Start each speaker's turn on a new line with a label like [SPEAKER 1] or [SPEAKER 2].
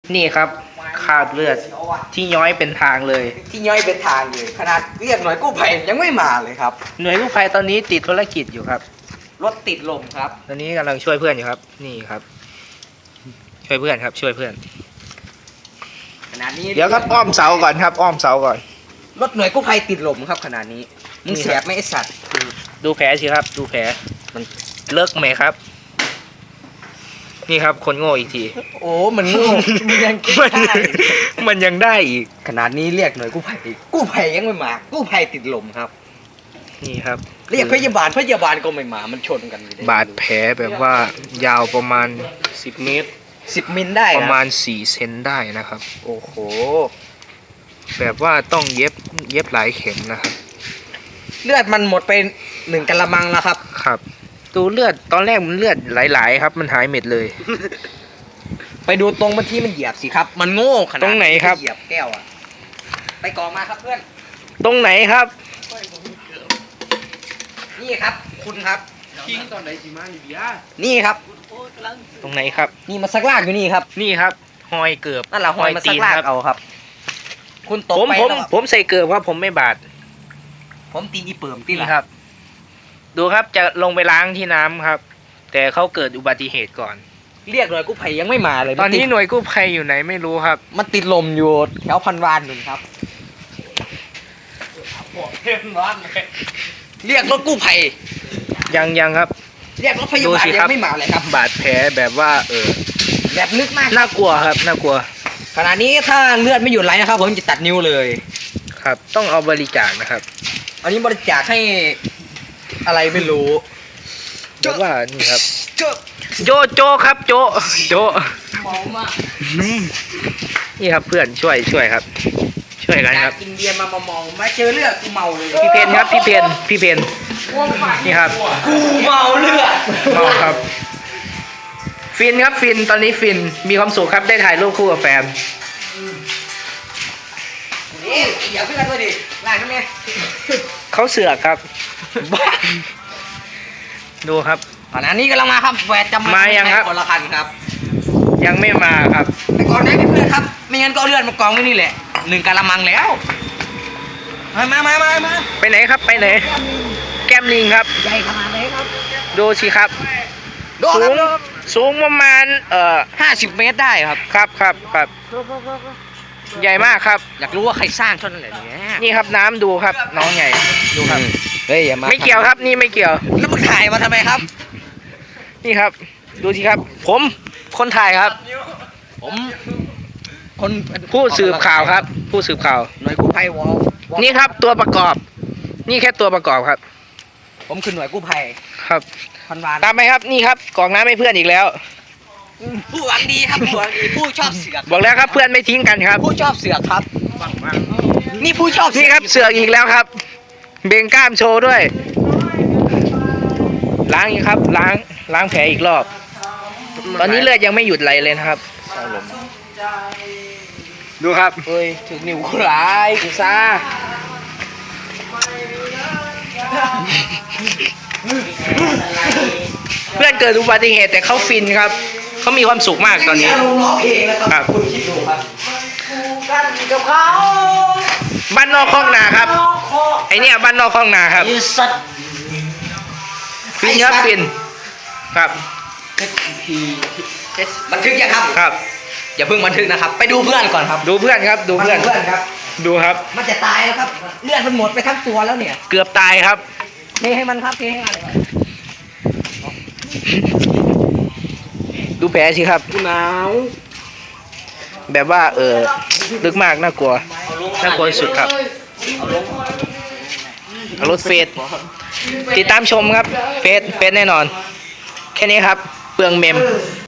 [SPEAKER 1] นี่ครับคราบเลือดที่ย้อยเป็นทางเลย
[SPEAKER 2] ที่ย่อยเป็นทางเลยขนาดเรียกหน่วยกู้ภัยยังไม่มาเลยครับ
[SPEAKER 1] หน่วยกู้ภัยตอนนี้ติดภารกิจอยู่ครับ
[SPEAKER 2] รถติดลมครับ
[SPEAKER 1] ตอนนี้กำลังช่วยเพื่อนอยู่ครับ นี่ครับ ช่วยเพื่อนครับ ช่วยเพื่อน
[SPEAKER 2] ขนาดนี้
[SPEAKER 1] เดี๋ยวครับอ้อมเสาก่อนครับ อ้อมเสาก่อน
[SPEAKER 2] รถหน่วยกู้ภัยติดลมครับขนาดนี้มึงแสบไหมไอสัตว์
[SPEAKER 1] ดูแผลสิครับ ดูแผลมันเลิกไหมครับ นี่ครับคนโง่อีกที
[SPEAKER 2] โอ้มันโง่มันยังคิด
[SPEAKER 1] มัน
[SPEAKER 2] ได้
[SPEAKER 1] มันยังได้อีก
[SPEAKER 2] ขนาดนี้เรียกหน่วยกู้ภัยกู้ภัยยังไม่มากู้ภัยติดลมครับ
[SPEAKER 1] นี่ครับ
[SPEAKER 2] เรียกพยาบาลก็ไม่มามันชนกันอยู่เลย
[SPEAKER 1] บาดแผลแบบว่ายาวประมาณ10 เมตร
[SPEAKER 2] 10 มิลได้
[SPEAKER 1] ประมาณ
[SPEAKER 2] น
[SPEAKER 1] 4 เซนได้นะครับ
[SPEAKER 2] โอ้โห
[SPEAKER 1] แบบว่าต้องเย็บหลายเข็มนะครับ
[SPEAKER 2] เลือดมันหมดไป1 กะละมังแล้วครับ
[SPEAKER 1] ครับดูเลือดตอนแรกมันเลือดไหลๆครับ มันหายเม็ดเลย
[SPEAKER 2] ไปดูตรงเมื่อกี้มันเหยียบสิครับ มันโง่ขนาด
[SPEAKER 1] ตรงไหนครับ
[SPEAKER 2] เหยียบแก้วอะไปกองมาครับเพื่อน
[SPEAKER 1] ตรงไหนครับ
[SPEAKER 2] นี่ครับ คุณครับ
[SPEAKER 3] ทิ้งตอนไหนสิมานี่เบียร์
[SPEAKER 2] นี่ครับ
[SPEAKER 1] ตรงไหนครับ
[SPEAKER 2] นี่มาซักลากอยู่นี่ครับ
[SPEAKER 1] นี่ครับหอยเกือบ
[SPEAKER 2] นั่นแหละหอยมาซักลาก
[SPEAKER 1] ครับ
[SPEAKER 2] เอาครับ คุณตก
[SPEAKER 1] ผม
[SPEAKER 2] ไป
[SPEAKER 1] ผม
[SPEAKER 2] แล้ว
[SPEAKER 1] ผมใส่เกือบครับผมไม่บาด
[SPEAKER 2] ผมตีนอีเปิ่มตี
[SPEAKER 1] นี่
[SPEAKER 2] ละ
[SPEAKER 1] ครับ ดูครับจะลงไปล้างที่น้ำครับ แต่เขาเกิดอุบัติเหตุก่อน
[SPEAKER 2] เรียกหน่วยกู้ภัยยังไม่มาเลย
[SPEAKER 1] ตอนนี้
[SPEAKER 2] มั
[SPEAKER 1] หน่วยกู้ภัยอยู่ไหนไม่รู้ครับ
[SPEAKER 2] มันติดลมอยู่แถวพันวานหนึ่งครับ เรียกรถกู้ภัย
[SPEAKER 1] ยังครับ
[SPEAKER 2] เรียกรถพยา
[SPEAKER 1] ดู
[SPEAKER 2] บาล
[SPEAKER 1] สิ
[SPEAKER 2] ยั
[SPEAKER 1] ครับ
[SPEAKER 2] งไม่มาเลยครับ
[SPEAKER 1] บาดแผลแบบว่า
[SPEAKER 2] แบบลึกมาก
[SPEAKER 1] น่ากลัวครับน่ากลัว
[SPEAKER 2] ขณะนี้ถ้าเลือดไม่หยุดไหลนะครับ ผมจะตัดนิ้วเลย
[SPEAKER 1] ครับ ต้องเอาบริจาคนะครับ
[SPEAKER 2] อันนี้บริจาคให้อะไรไม่รู้
[SPEAKER 1] แบบว่านี่ครับ
[SPEAKER 2] เจ้า
[SPEAKER 1] โจครับโจ
[SPEAKER 2] เมามาก
[SPEAKER 1] นี่ครับเพื่อนช่วยครับ ช่วยกัน
[SPEAKER 2] จา
[SPEAKER 1] ค
[SPEAKER 2] ก
[SPEAKER 1] รับ
[SPEAKER 2] กินเบียร์มาเมามาเจอเลือดกูเมาเลย
[SPEAKER 1] พี่เพนครับพี่เพนนี่ครับ
[SPEAKER 2] กูเมาเลือด
[SPEAKER 1] เมาครับ ฟินครับฟินตอนนี้ฟินมีความสุขครับได้ถ่ายรูปคู่กับแฟน
[SPEAKER 2] นี่อย่าเพื่อนด้วยดิลายทำไม
[SPEAKER 1] เขาเสือกครับ ดูครับ
[SPEAKER 2] ขณะนี้กำลังมาครับแหวนจำ
[SPEAKER 1] มายังครับ
[SPEAKER 2] คนละคันครับ
[SPEAKER 1] ยังไม่มาครับ
[SPEAKER 2] ไปก่อนได้เพื่อนครับไม่งั้นก็เอาเลือดมากองไว้นี่แหละ1 กะละมังแล้วมา
[SPEAKER 1] ไปไหนครับไปไหน แก้มลิงครับ
[SPEAKER 2] ใหญ่ขนาดไหนครับ
[SPEAKER 1] ดูสิครับ
[SPEAKER 2] ดู
[SPEAKER 1] สู
[SPEAKER 2] ค
[SPEAKER 1] ง
[SPEAKER 2] รับ
[SPEAKER 1] สูงประมาณ
[SPEAKER 2] 50 เมตรได้ครับ
[SPEAKER 1] ครับใหญ่มากครับ
[SPEAKER 2] อยากรู้ว่าใครสร้างเท่านั้นแหละเนี่ย
[SPEAKER 1] นี่ครับน้ำดูครับ น้องใหญ่ดูครับ
[SPEAKER 2] เฮ้ยอย่ามา
[SPEAKER 1] ไม่เกี่ยวครับนี่ไม่เกี่ยว
[SPEAKER 2] แล้วมึงถ่ายมาทำไมครับ
[SPEAKER 1] นี่ครับ ดูสิครับ ผมคนถ่ายครับ
[SPEAKER 2] ผมคน
[SPEAKER 1] ผู้สืบข่าวครับ ผู้สืบข่าว
[SPEAKER 2] หน่วยกู้ภัยวอล
[SPEAKER 1] นี่ครับตัวประกอบ นี่แค่ตัวประกอบครับ
[SPEAKER 2] ผมคือหน่วยกู้ภัย
[SPEAKER 1] ครับ
[SPEAKER 2] พันวาน
[SPEAKER 1] ตามไปครับนี่ครับกรอกน้ำให้เพื่อนอีกแล้ว
[SPEAKER 2] ผู้หวังดีครับผู้หวังดีผู้ชอบเสือก
[SPEAKER 1] บอกแล้วครับเพื่อนไม่ทิ้งกันครับ
[SPEAKER 2] ผู้ชอบเสือกครับนี่ผู้ชอบ
[SPEAKER 1] นี่ครับเสือกอีกแล้วครับ เบ่งกล้ามโชว์ด้วย ล้างอีกครับล้างแผลอีกรอบ ตอนนี้เลือดยังไม่หยุดไหลเลยนะครับ ดูครับ
[SPEAKER 2] เฮ้ยถึงนิ้วกูร้ายกูซ่า
[SPEAKER 1] เพื่อนเกิดอุบัติเหตุแต่เขาฟินครับเขามีความสุขมากตอนนี้
[SPEAKER 2] ลงร้องเพลงแล้ว
[SPEAKER 1] ค
[SPEAKER 2] ค
[SPEAKER 1] รั
[SPEAKER 2] รับ บคุณคิดดูครับกันกับเขา
[SPEAKER 1] บ้านนอกคลองนาครับไอเนี่ยบ้านนอกคลองนาครับ
[SPEAKER 2] ไอ้สัตว์
[SPEAKER 1] ฟินครับฟินครับ
[SPEAKER 2] บันทึกยังครับ
[SPEAKER 1] ครับ
[SPEAKER 2] อย่าเพิ่งบันทึกนะครับ ไปดูเพื่อนก่อนครับ
[SPEAKER 1] ดูเพื่อนครับดูเพื่อน
[SPEAKER 2] เพื่อนครับ
[SPEAKER 1] ดูครับ
[SPEAKER 2] มันจะตายแล้วครับเลือดมันหมดไปทั้งตัวแล้วเนี่ย
[SPEAKER 1] เกือบตายครับ
[SPEAKER 2] เทให้มันครับเทให้มัน
[SPEAKER 1] ดูแผลสิครับ
[SPEAKER 2] กูหนาว
[SPEAKER 1] แบบว่าลึกมากน่ากลัวน่ากลัวสุดครับเอารถเฟสติดตามชมครับเฟสแน่นอน แค่นี้ครับเปลืองเมม